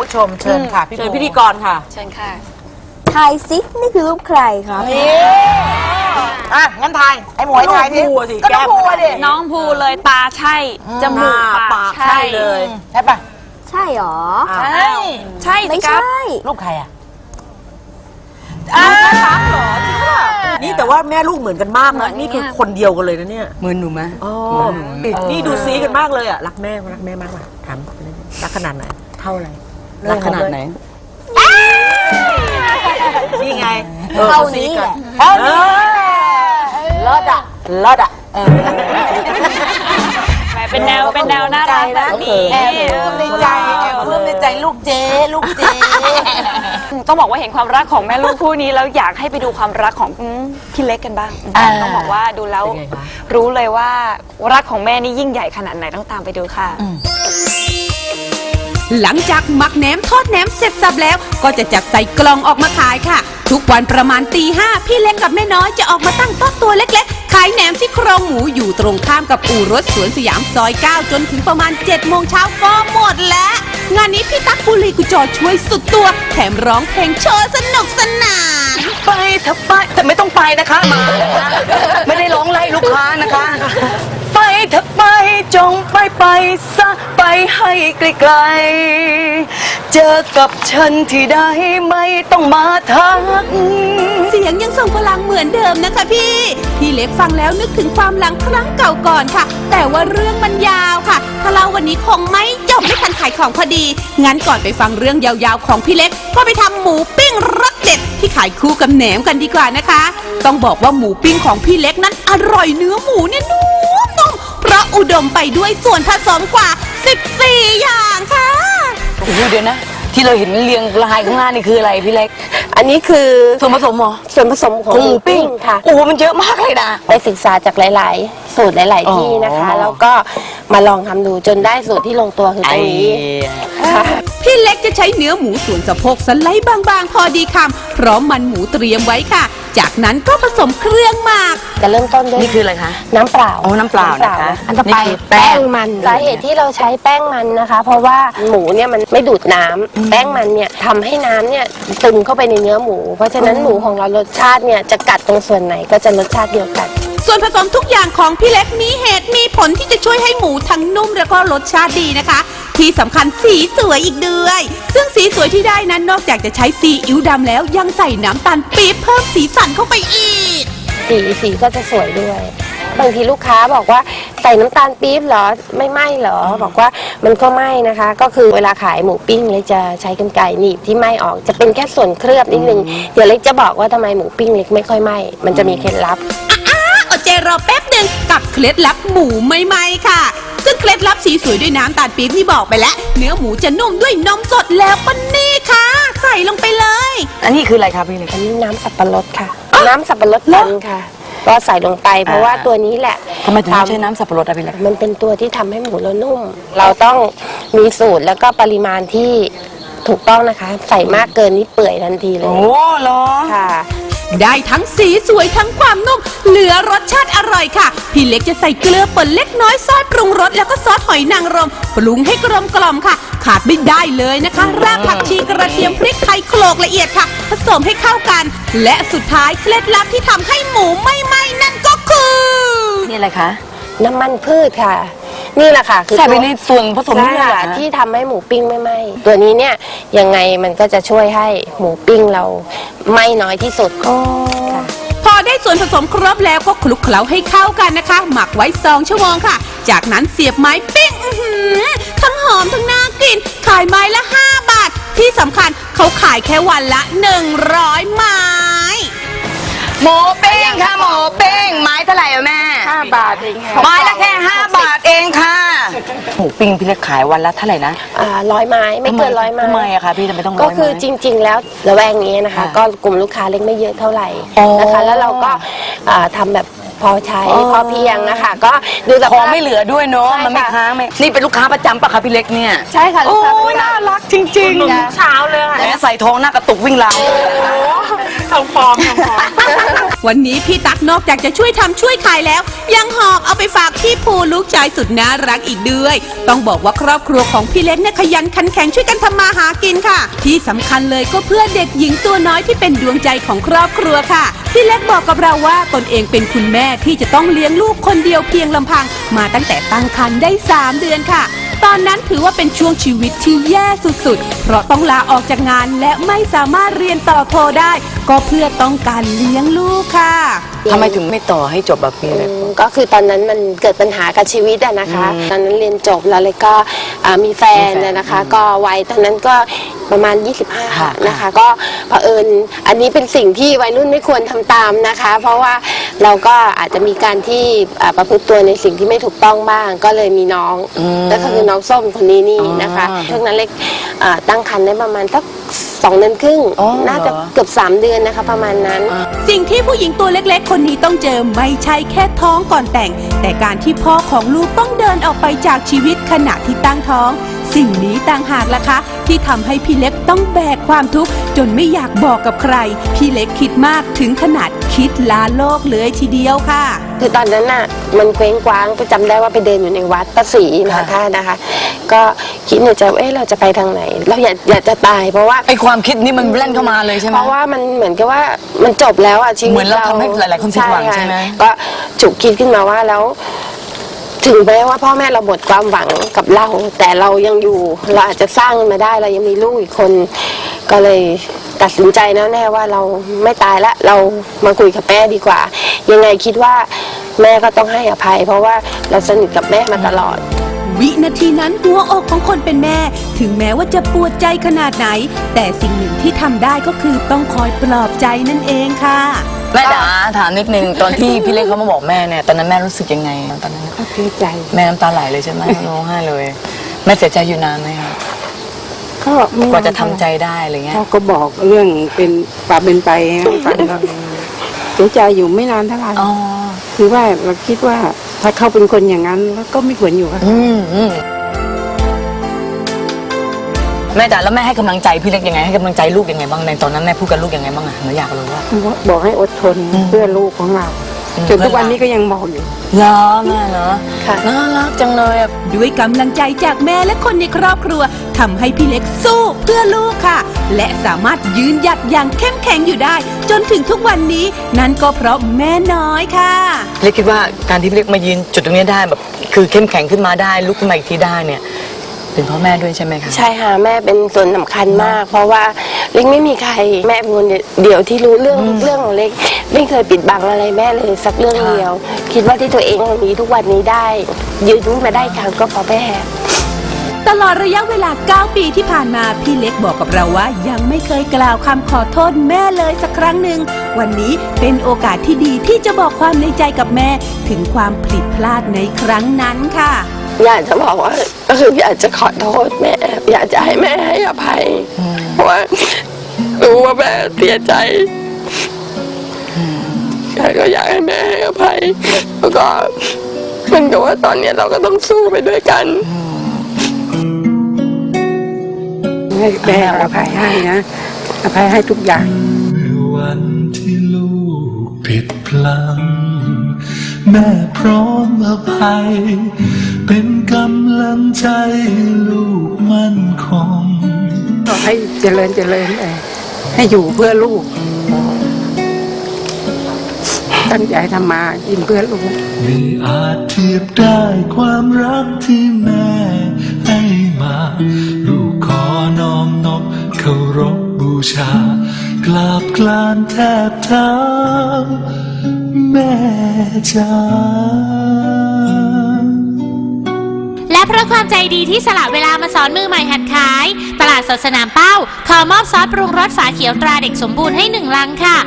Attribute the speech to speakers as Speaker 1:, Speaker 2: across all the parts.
Speaker 1: ชมเชิญค่ะพี่พิธีกรค่ะ
Speaker 2: เชิญค่ะ
Speaker 3: ทายซินี่คือรูปใครครับ
Speaker 1: งั้นทายไอ้หมวยทายสิก็น้องภูดิ
Speaker 2: น้องภูเลยตาใช่จมูกปากใช่
Speaker 1: เลยใช่ปะ
Speaker 3: ใช่หรอ
Speaker 2: ใช่
Speaker 3: ไม่ใช่
Speaker 1: ลูกใครอ่ะลูกแม่ตั๊กเหรอจริงป่ะนี่แต่ว่าแม่ลูกเหมือนกันมากนะนี่คือคนเดียวกันเลยนะเนี่ย
Speaker 4: เหมือนหนูไหม
Speaker 1: อ๋อนี่ดูซีกันมากเลยอ่ะรักแม่มากกว่าถามรักขนาดไหนเท่าไร
Speaker 4: รักขนาดไหน
Speaker 1: นี่ไง
Speaker 3: เท่านี้แหละ
Speaker 1: ลอดอ่ะ
Speaker 2: เป็นแนวน่ารักแบบนี้
Speaker 1: เริ่มในใจลูกเจ๊
Speaker 2: ต้องบอกว่าเห็นความรักของแม่ลูกคู่นี้แล้วอยากให้ไปดูความรักของพี่เล็กกันบ้างต้องบอกว่าดูแล้วรู้เลยว่ารักของแม่นี่ยิ่งใหญ่ขนาดไหนต้องตามไปดูค่ะ
Speaker 5: หลังจากหมักแหนมทอดแหนมเสร็จสับแล้วก็จะจัดใส่กล่องออกมาขายค่ะทุกวันประมาณตี 5พี่เล็กกับแม่น้อยจะออกมาตั้งโต๊ะตัวเล็กๆขายแหนมซี่โครงหมูอยู่ตรงข้ามกับอู่รถสวนสยามซอย 9จนถึงประมาณ 7 โมงเช้าก็หมดแล้วงานนี้พี่ตั๊กบุรีกุจอช่วยสุดตัวแถมร้องเพลงโชว์สนุกสนาน
Speaker 4: ไปเถอะไปแต่ไม่ต้องไปนะคะมาไม่ได้ร้องไล่ลูกค้านะคะไปเถอะไปจงไปซะไปให้ไกลๆเจอกับฉันที่ใดไม่ต้องมาทัก
Speaker 5: เสียงยังส่งพลังเหมือนเดิมนะคะพี่เล็กฟังแล้วนึกถึงความหลังครั้งเก่าก่อนค่ะแต่ว่าเรื่องมันยาวค่ะถ้าเล่าวันนี้คงไม่จบไม่ทันขายของพอดีงั้นก่อนไปฟังเรื่องยาวๆของพี่เล็กก็ไปทำหมูปิ้งรสเด็ดที่ขายคู่กับแหนมกันดีกว่านะคะต้องบอกว่าหมูปิ้งของพี่เล็กนั้นอร่อยเนื้อหมูเนี่ยนุ่มเพราะอุดมไปด้วยส่วนผสมกว่า14อย่างค่ะ
Speaker 4: โอ้โหเดี๋ยวนะที่เราเห็นเรียงรายข้างหน้านี่คืออะไรพี่เล็ก
Speaker 3: อันนี้คือ
Speaker 4: ส่วนผสมเหรอ
Speaker 3: ส่วนผสมของหมูปิ้งค่ะ
Speaker 4: โอ้โหมันเยอะมากเลยนะ
Speaker 3: ไปศึกษาจากหลายๆสูตรหลายๆที่นะคะแล้วก็มาลองทำดูจนได้สูตรที่ลงตัวคือตรงนี้
Speaker 5: พี่เล็กจะใช้เนื้อหมูส่วนสะโพกสไลด์บางๆพอดีคำพร้อมมันหมูเตรียมไว้ค่ะจากนั้นก็ผสมเครื่องหมัก
Speaker 3: จะเริ่มต้นด้วย
Speaker 4: นี่คืออะไรคะ
Speaker 3: น้ำเปล่า
Speaker 4: น้ำเปล่านะคะ
Speaker 3: อันต่อไปแป้งมันสาเหตุที่เราใช้แป้งมันนะคะเพราะว่าหมูเนี่ยมันไม่ดูดน้ำแป้งมันเนี่ยทำให้น้ำเนี่ยซึมเข้าไปในเนื้อหมูเพราะฉะนั้นหมูของเรารสชาติเนี่ยจะกัดตรงส่วนไหนก็จะรสชาติเดียวกัน
Speaker 5: ส่วนผสมทุกอย่างของพี่เล็กมีเหตุมีผลที่จะช่วยให้หมูทั้งนุ่มแล้วก็รสชาติดีนะคะที่สำคัญสีสวยอีกด้วยซึ่งสีสวยที่ได้นั้นนอกจากจะใช้ซีอิ๊วดำแล้วยังใส่น้ำตาลปี๊บเพิ่มสีสันเข้าไปอีก
Speaker 3: สีก็จะสวยด้วยบางทีลูกค้าบอกว่าใส่น้ำตาลปี๊บเหรอไม่ไหม้เหรอบอกว่ามันก็ไหม้นะคะก็คือเวลาขายหมูปิ้งเล็กจะใช้กรรไกรหนีบที่ไหม้ออกจะเป็นแค่ส่วนเคลือบนิดนึงเดี๋ยวเล็กจะบอกว่าทำไมหมูปิ้งเล็กไม่ค่อยไหม้มันจะมีเคล็ดลับ
Speaker 5: อดใจรอแป๊บหนึ่งกับเคล็ดลับหมูไม่ไหม้ค่ะซึ่งเคล็ดลับสีสวยด้วยน้ำตาลปี๊บที่บอกไปแล้วเนื้อหมูจะนุ่มด้วยนมสดแล้วก็นี่ค่ะใส่ลงไปเลย
Speaker 4: อันนี้คืออะไรคะพี่เล็ก
Speaker 3: อันนี้น้ำสับปะรดค่ะน้ำสับปะรดปั่นค่ะก็ใส่ลงไปเพราะว่าตัวนี้แหละ
Speaker 4: ทำไมถึงใช้น้ำสับปะรดอะพี่เล็ก
Speaker 3: มันเป็นตัวที่ทำให้หมูเรานุ่มเราต้องมีสูตรแล้วก็ปริมาณที่ถูกต้องนะคะใส่มากเกินนี่เปื่อยทันทีเลย
Speaker 4: โอ้เหรอ
Speaker 3: ค่ะ
Speaker 5: ได้ทั้งสีสวยทั้งความนุ่มเหลือรสชาติอร่อยค่ะพี่เล็กจะใส่เกลือป่นเล็กน้อยซอสปรุงรสแล้วก็ซอสหอยนางรมปรุงให้กลมกล่อมค่ะขาดไม่ได้เลยนะคะรากผักชีกระเทียมพริกไทยโขลกละเอียดค่ะผสมให้เข้ากันและสุดท้ายเคล็ดลับที่ทำให้หมูไม่ไหม้นั่นก็คือ
Speaker 4: นี่อะไรคะ
Speaker 3: น้ำมันพืชค่ะนี่แหละค่ะ
Speaker 4: คือใส่ไปในส่วนผสมนี่แหละ
Speaker 3: ที่ทำให้หมูปิ้งไม่ไหม้ตัวนี้เนี่ยยังไงมันก็จะช่วยให้หมูปิ้งเราไหม้น้อยที่สุด
Speaker 5: พอได้ส่วนผสมครบแล้วก็คลุกเคล้าให้เข้ากันนะคะหมักไว้2 ชั่วโมงค่ะจากนั้นเสียบไม้ปิ้งทั้งหอมทั้งน่ากินขายไม้ละ5 บาทที่สำคัญเขาขายแค่วันละ100 ไม้
Speaker 4: หมูปิ้งค่ะหมูปิ้งไม้เท่าไหร่แม่
Speaker 3: 5 บาทเองค่ะ
Speaker 4: ไม้ละแค่5 บาทเองค่ะหมูปิ้งพี่เล็กขายวันละเท่าไหร่นะ
Speaker 3: 100 ไม้ไม่เกิน100 ไม้
Speaker 4: ทำไมอะคะพี่ทำไมต้อง100
Speaker 3: ก็คือจริงๆแล้วระแวงนี้นะคะก็กลุ่มลูกค้าเล็กไม่เยอะเท่าไหร่นะคะแล้วเราก็ทำแบบพอใช้พอเพียงนะคะก็ดูแต่
Speaker 4: ของไม่เหลือด้วยเนาะมันไม่ค้างไหมนี่เป็นลูกค้าประจำปะคะพี่เล็กเนี่ย
Speaker 3: ใช่ค่ะ
Speaker 4: โอ้ยน่ารักจริงๆ
Speaker 1: ทุกเช้าเลยค่ะ
Speaker 4: ใส่ทองหน้ากระตุกวิ่งราว
Speaker 1: ทองฟอม
Speaker 5: วันนี้พี่ตั๊กนอกจากจะช่วยทำช่วยขายแล้วยังหอบเอาไปฝากพี่ภูลูกชายสุดน่ารักอีกด้วยต้องบอกว่าครอบครัวของพี่เล็กเนี่ยขยันขันแข็งช่วยกันทำมาหากินค่ะที่สำคัญเลยก็เพื่อเด็กหญิงตัวน้อยที่เป็นดวงใจของครอบครัวค่ะพี่เล็กบอกกับเราว่าตนเองเป็นคุณแม่ที่จะต้องเลี้ยงลูกคนเดียวเพียงลำพังมาตั้งแต่ตั้งครรภ์ได้3 เดือนค่ะตอนนั้นถือว่าเป็นช่วงชีวิตที่แย่สุดๆเพราะต้องลาออกจากงานและไม่สามารถเรียนต่อโทได้ก็เพื่อต้องการเลี้ยงลูกค่ะ
Speaker 4: ทำไมถึงไม่ต่อให้จบแบบนี้เลย
Speaker 3: ก็คือตอนนั้นมันเกิดปัญหากับชีวิตอะนะคะตอนนั้นเรียนจบแล้วเลยก็มีแฟนนะคะ ก็วัยตอนนั้นก็ประมาณ 25 นะคะ ก็เผอิญอันนี้เป็นสิ่งที่วัยรุ่นไม่ควรทำตามนะคะ เพราะว่าเราก็อาจจะมีการที่ประพฤติตัวในสิ่งที่ไม่ถูกต้องบ้าง ก็เลยมีน้องก็คือน้องส้มคนนี้นี่นะคะช่วงนั้นเล็กตั้งครรภ์ได้ประมาณสัก2 เดือนครึ่งน่าจะเกือบ3 เดือนนะคะประมาณนั้น
Speaker 5: สิ่งที่ผู้หญิงตัวเล็กๆคนนี้ต้องเจอไม่ใช่แค่ท้องก่อนแต่งแต่การที่พ่อของลูกต้องเดินออกไปจากชีวิตขณะที่ตั้งท้องสิ่งนี้ต่างหากล่ะคะที่ทำให้พี่เล็กต้องแบกความทุกข์จนไม่อยากบอกกับใครพี่เล็กคิดมากถึงขนาดคิดลาโลกเลยทีเดียวค่ะ
Speaker 3: คือตอนนั้นน่ะมันเคว้งคว้างไปจำได้ว่าไปเดินอยู่ในวัดพระศรีมหาธาตุนะคะก็คิดในใจว่าเราจะไปทางไหนเราอยากจะตายเพราะว่า
Speaker 4: ไอความคิดนี้มันแล่นเข้ามาเลยใช่ไหม
Speaker 3: เพราะว่ามันเหมือนกับว่ามันจบแล้วอ่ะชีวิต
Speaker 4: เหมือนเราทำให้หลายๆคนผิดหวังใช่ไหม
Speaker 3: ก็ฉุกคิดขึ้นมาว่าแล้วถึงแม้ว่าพ่อแม่เราหมดความหวังกับเราแต่เรายังอยู่เราอาจจะสร้างมันมาได้เรายังมีลูกอีกคนก็เลยตัดสินใจแน่ว่าเราไม่ตายละเรามาคุยกับแม่ดีกว่ายังไงคิดว่าแม่ก็ต้องให้อภัยเพราะว่าเราสนิทกับแม่มาตลอด
Speaker 5: วินาทีนั้นหัวอกของคนเป็นแม่ถึงแม้ว่าจะปวดใจขนาดไหนแต่สิ่งหนึ่งที่ทำได้ก็คือต้องคอยปลอบใจนั่นเองค่ะ
Speaker 4: แม่จ๋าถามนิดนึงตอนที่พี่เล็กเขามาบอกแม่เนี่ยตอนนั้นแม่รู้สึกยังไงตอนนั้น
Speaker 6: ก็เสียใจ
Speaker 4: แม่น้ำตาไหลเลยใช่ไหมร้องไห้เลยแม่เสียใจอยู่นานไหมคะ
Speaker 6: ก็
Speaker 4: กว่าจะทำใจได้อะไรเงี้ย
Speaker 6: เขาก็บอกเรื่องเป็นป่าเป็นไปให้ฟังก็เสียใจอยู่ไม่นานเท่าไหร่คือว่าเราคิดว่าถ้าเขาเป็นคนอย่างนั้นก็ไม่ควรอยู่กับเขา
Speaker 4: แม่จ๋าแล้วแม่ให้กำลังใจพี่เล็กยังไงให้กำลังใจลูกยังไงบ้างในตอนนั้นแม่พูดกับลูกยังไงบ้างอะหนูอยากรู้ว่า
Speaker 6: บอกให้อดทนเพื่อลูกของเราจนทุกวันนี้ก็ยังบอกอยู่
Speaker 4: เหรอแม่เนาะน่ารักจังเลย
Speaker 5: ด้วยกำลังใจจากแม่และคนในครอบครัวทำให้พี่เล็กสู้เพื่อลูกค่ะและสามารถยืนหยัดอย่างเข้มแข็งอยู่ได้จนถึงทุกวันนี้นั่นก็เพราะแม่น้อยค่ะ
Speaker 4: เล็กคิดว่าการที่พี่เล็กมายืนจุดตรงนี้ได้แบบคือเข้มแข็งขึ้นมาได้ลุกขึ้นมาอีกทีได้เนี่ยเป็นพ่อแม่ด้วยใช่ไหมคะ
Speaker 3: ใช่ค่ะแม่เป็นส่วนสำคัญมากเพราะว่าเล็กไม่มีใครแม่เป็นคนเดียวที่รู้เรื่องของเล็กไม่เคยปิดบังอะไรแม่เลยสักเรื่องเดียวคิดว่าที่ตัวเองมีทุกวันนี้ได้ยืนขึ้นมาได้ครั้งก็เพราะแม่
Speaker 5: ตลอดระยะเวลา9 ปีที่ผ่านมาพี่เล็กบอกกับเราว่ายังไม่เคยกล่าวคำขอโทษแม่เลยสักครั้งหนึ่งวันนี้เป็นโอกาสที่ดีที่จะบอกความในใจกับแม่ถึงความผิดพลาดในครั้งนั้นค่ะ
Speaker 3: อยากจะบอกว่าก็คืออยากจะขอโทษแม่อยากจะให้แม่ให้อภัยเพราะว่ารู้ว่าแม่เสียใจก็อยากให้แม่ให้อภัยแล้วก็มันก็ว่าตอนนี้เราก็ต้องสู้ไปด้วยกัน
Speaker 6: ให้แม่อภัยให้นะอภัยให้ทุกอย่าง
Speaker 7: วันที่ลูกผิดพลั้งแม่พร้อมอภัยเป็นกำลังใจลูกมั่นคง
Speaker 6: ขอให้เจริญให้อยู่เพื่อลูกตั้งใจทำมากินเพื่อลูก
Speaker 7: ไม่อาจเทียบได้ความรักที่แม่ให้มาลูกขอน้อมนบเคารพบูชากราบกรานแทบเท้าแม่จ๋า
Speaker 8: และเพราะความใจดีที่สละเวลามาสอนมือใหม่หัดขายตลาดสดสนามเป้าขอมอบซอสปรุงรสฝาเขียวตราเด็กสมบูรณ์ให้1 ลังค่ะ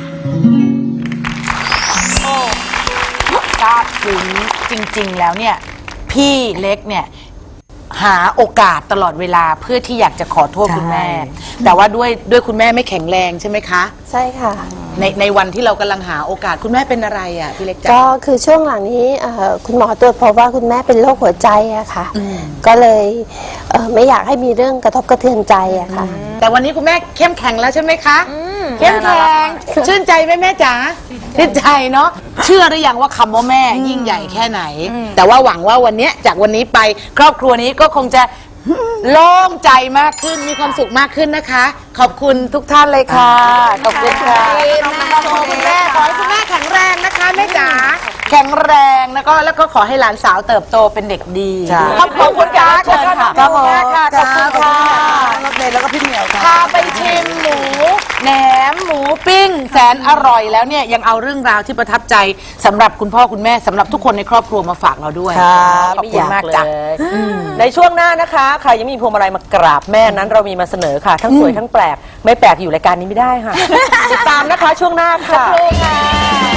Speaker 1: ทราบซึ้งจริงๆแล้วเนี่ยพี่เล็กเนี่ยหาโอกาสตลอดเวลาเพื่อที่อยากจะขอโทษคุณแม่แต่ว่าด้วยคุณแม่ไม่แข็งแรงใช่ไหมคะ
Speaker 3: ใช่ค่ะ
Speaker 1: ในวันที่เรากำลังหาโอกาสคุณแม่เป็นอะไรอ่ะพี่เล็ก
Speaker 3: ก็คือช่วงหลังนี้คุณหมอตรวจพบว่าคุณแม่เป็นโรคหัวใจอะค่ะก็เลยไม่อยากให้มีเรื่องกระทบกระเทือนใจอะค่ะ
Speaker 1: แต่วันนี้คุณแม่เข้มแข็งแล้วใช่ไหมคะเข้มแข็งชื่นใจไหมแม่จ๋าชื่นใจเนาะเชื่อหรือยังว่าคำว่าแม่ยิ่งใหญ่แค่ไหน แต่ว่าหวังว่าวันนี้จากวันนี้ไปครอบครัวนี้ก็คงจะโล่งใจมากขึ้นมีความสุขมากขึ้นนะคะ ขอบคุณทุกท่านเลยค่ะขอบคุณค่ะคุณแม่ขอให้คุณแม่แข็งแรงนะคะแม่จ๋าแข็งแรงแล้วก็ขอให้หลานสาวเติบโตเป็นเด็กดีขอบคุณค่ะเชิญค่ะขอบคุณค่ะขอบคุณค่ะรถเมล์แล้วก็พี่เหมียวค่ะพาไปชิมหมูแหนมหมูปิ้งแสนอร่อยแล้วเนี่ยยังเอาเรื่องราวที่ประทับใจสำหรับคุณพ่อคุณแม่สำหรับทุกคนในครอบครัวมาฝากเราด้วยขอบคุณมากจ้ะ
Speaker 9: ในช่วงหน้านะคะใครยังมีพวงมาลัยมากราบแม่นั้นเรามีมาเสนอค่ะ ทั้งสวยทั้งแปลกไม่แปลกอยู่รายการนี้ไม่ได้ค่ะ ติดตามนะคะช่วงหน้าค่ะ